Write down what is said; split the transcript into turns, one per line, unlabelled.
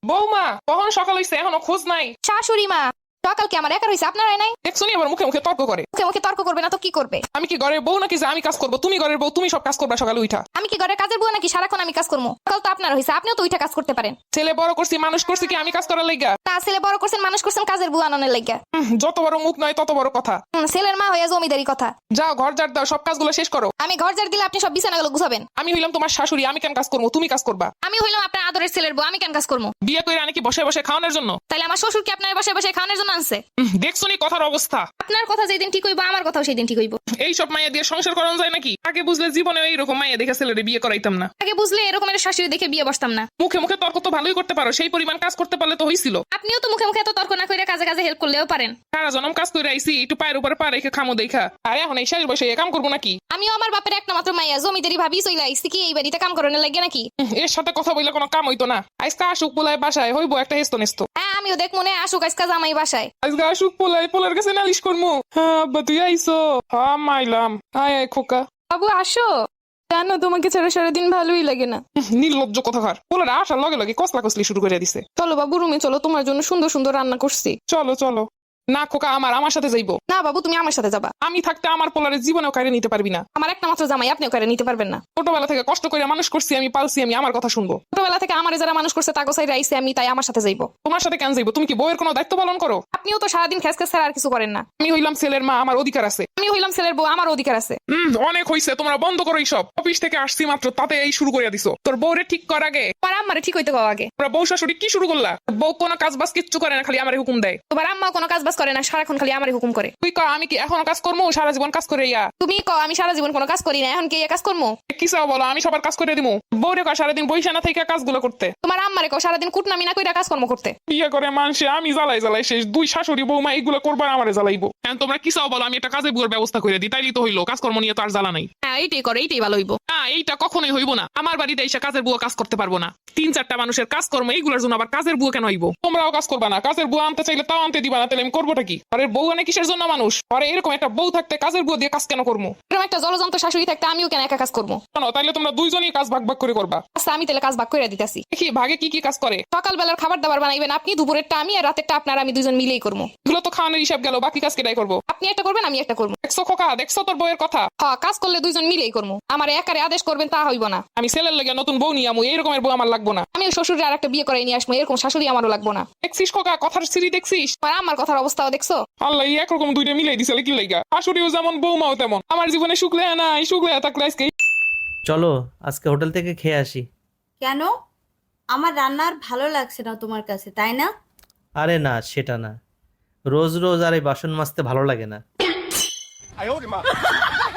বৌমা কখন সকাল হইছে এখনো খোঁজ নাই?
শাশুড়ি মা, সকাল কি আমার একার হইছে, আপনারাই নাই?
দেখছো নি আবার মুখে মুখে তর্ক করে।
মুখে মুখে তর্ক করবে না তো কি করবে?
আমি কি ঘরের বউ নাকি যে আমি কাজ করবো? তুমি ঘরের বউ, তুমি সব কাজ করবা সকালে উঠা।
আমি কি ঘরের কাজের বুয়া নাকি সারাক্ষণ আমি কাজ করবো? সকাল তো আপনার হইছে, আপনিও তো উঠা কাজ করতে পারেন।
ছেলে বড় করছি, মানুষ করছি কি আমি কাজ করার লাইগা?
তা ছেলে বড় করছেন, মানুষ করছেন কাজের বুয়া আনানোর লাগিয়া।
যত বড় মুখ নয় তত বড় কথা।
ছেলের মা হইয়া জমিদারি কথা।
যাও ঘর ঝাড় দাও, সব কাজগুলো শেষ করো।
আমি ঘর ঝাড় দিলে আপনি সব বিছানাগুলো গুছাবেন।
আমি হইলাম তোমার শাশুড়ি, আমি কেন কাজ করবো? তুমি কাজ করবা।
আমি হইলাম আপনার আদরের ছেলের বউ, আমি কেন কাজ করবো?
বিয়ে করে আনি কি বসে বসে খাওয়ানোর জন্য?
তাইলে আমার শ্বশুর কি আপনার বসে বসে খাওয়ানোর জন্য আনছে?
দেখছো নি কথার অবস্থা?
আপনার কথা যেদিন ঠিক হইব আমার কথাও সেদিন ঠিক হইব।
এই সব মাইয়া দিয়ে সংসার করানো যায় নাকি? আগে বুঝলে জীবনে এইরকম মাইয়া দেখে ছেলেরে বিয়ে করাইতাম না।
আগে বুঝলে এরকমের শাশুড়ি দেখে বিয়ে বসতাম না।
মুখে মুখে তর্ক তো ভালোই করতে পারো, সেই পরিমাণ কাজ করতে পারলে তো হইছিল।
আপনিও তো মুখে মুখে এত তর্ক না করে কাজে কাজে হেল্প করলেও পারেন।
সারা জনম কাজ করে আইছি, একটু পায়ের উপরে পা রেখে খামো দেখা। আর এখন এই শেষ বয়সে এ কাম করবো নাকি?
আমিও আমার বাপের একটা মাত্র মাইয়া, জমিদারি ভাবি চইলা আইছি কি এই বাড়িতে কাম করানোর লাগে নাকি?
এর সাথে কথা বললে কোনো কাম হইতো না। আজকে আসুক পোলায় বাসায় হইবো একটা হেস্ত নেস্ত।
হ্যাঁ আমিও দেখ মনে আসুক আজকে জামাই বাসায়।
আজকে আসুক পোলায়, পোলার কাছে নালিশ করমু। হ্যাঁ আব্বা তুই আইসো? হ্যাঁ মাইলাম। আয় আয় খোকা।
বাবু আসো। জানো তোমাকে ছাড়া সারাদিন ভালোই লাগে না।
নির্লজ্জ কথাকার। পোলার আসার লগে লগে কসলা কসলি শুরু করে দিছে।
চলো বাবু রুমে চলো, তোমার জন্য সুন্দর সুন্দর রান্না করছি।
চলো চলো। না খোকা, আমার সাথে যাইবো।
না বাবু তুমি আমার সাথে যাবা।
আমি থাকতে আমার পোলারের জীবনেও কারে নিতে পারবি না।
আমার একটা মাত্র জামাই, আপনিও কারে নিতে পারবেন না।
ছোটবেলা থেকে কষ্ট করে মানুষ করছি, আমি পালছি, আমি আমার কথা শুনবো।
ছোটবেলা থেকে আমারে যারা মানুষ করছে তাগো সাইডে আইছে আমি, তাই আমার সাথে যাইবো।
তোমার সাথে কেন যাইবো? তুমি কি বউয়ের কোনো দায়িত্ব পালন করো?
আপনিও তো সারাদিন খেস খেস ছাড়া আর কিছু করেন না।
আমি হইলাম ছেলের মা, আমার অধিকার আছে।
আমি হইলাম ছেলের বউ, আমার অধিকার আছে।
অনেক হইছে, তোমরা বন্ধ করো এইসব। অফিস থেকে আসছি মাত্র, তাতে এই শুরু করে দিছো। তোর বউরে ঠিক কর আগে।
তোমার আম্মারে ঠিক হইতে কও আগে।
তোমরা বউ শাশুড়ি কি শুরু করলা? বউ কোনো কাজ বাজ কিচ্ছু করে না, খালি আমারে হুকুম দেয়।
তোমার আম্মা কোনো কাজ বাজ করে না, সারাক্ষণ খালি আমারে হুকুম করে।
তুই কর আমি কি এখনো কাজ করবো? সারা জীবন কাজ করে ইয়া।
তুমি কও আমি সারা জীবন কোনো কাজ করি না, এখন কি এই কাজ করবো?
কি চাও বলো, আমি সবার কাজ করে দিবো? বউরে কর সারাদিন বইসা না থেকে কাজগুলো করতে।
তোমার আম্মারে কও সারাদিন কুটনামি না কইরা কাজকর্ম করতে।
বিয়ে করে মানুষে আমি জ্বালাই জ্বালাই শেষ। দুই শাশুড়ি বৌমা এইগুলো করবার আমারে জ্বালাইবো। এখন তোমরা কি চাও বলো, আমি একটা কাজের বুয়ার ব্যবস্থা করে দিই, তাইলেই তো হইলো। কাজকর্ম নিয়ে তো আর জ্বালা নাই।
হ্যাঁ এইটাই করো, এইটাই ভালো হইব।
না এইটা কখনোই হইব না। আমার বাড়িতে এসে কাজের বুয়া কাজ করতে পারবো না। 3-4টা মানুষের কাজকর্ম, এইগুলোর জন্য আবার কাজের বুয়া কেন হইব? তোমরাও কাজ করবা না, কাজের বুয়া আনতে চাইলে তাও আনতে দিবা না, তাহলে আমি করবোটা কি? আরে বউ আনে কিসের জন্য মানুষ? আরে এরকম একটা বউ থাকতে কাজের বুয়া দিয়ে কাজ কেন করবো?
এরকম একটা জলযন্ত্র শাশুড়ি থাকতে আমিও কেন একা কাজ করবো?
কেন? তাইলে তোমরা দুইজনই কাজ ভাগ ভাগ করে করবা।
আচ্ছা আমি তাহলে কাজ ভাগ করে দিতেছি।
দেখি ভাগে কি কি কাজ করে।
সকালবেলার খাবার দাবার বানাইবেন আপনি, দুপুরেরটা আমি, আর রাতেরটা আপনার, আমি দুইজন মিলেই করবো।
এগুলো তো খাওয়ানোর হিসাব গেল, বাকি কাজ কেটাই করবো?
আপনি একটা করবেন আমি একটা করবো।
দেখছো খোকা, দেখছো তোর বউয়ের কথা?
হ্যাঁ কাজ করলে দুইজন মিলেই করবো। আমার একারে আদেশ করবেন তা হইব না।
আমি ছেলের লেগে নতুন বউ নিয়ে আমু, এইরকমের বউ আমার লাগবো না।
আমি শ্বশুরের আর একটা বিয়ে করে নিয়ে আসবো, এরকম শাশুড়ি আমারও লাগবো না।
দেখছিস খোকা, কথার সিঁড়ি দেখছিস?
আর আমার কথার অবস্থাও দেখছো?
আল্লাহ একরকম দুইটা মিলাই দিছে কি লাইগা? শাশুড়িও যেমন বৌমাও তেমন। আমার জীবনে শুক্লে নাই, শুক্লে থাকলে আজকে।
চলো আজকে হোটেল থেকে খেয়ে আসি।
কেন? আমার রান্না আর ভালো লাগছে না তোমার কাছে, তাই না?
আরে না, সেটা না। রোজ রোজ আর এই বাসন মাজতে ভালো লাগে না।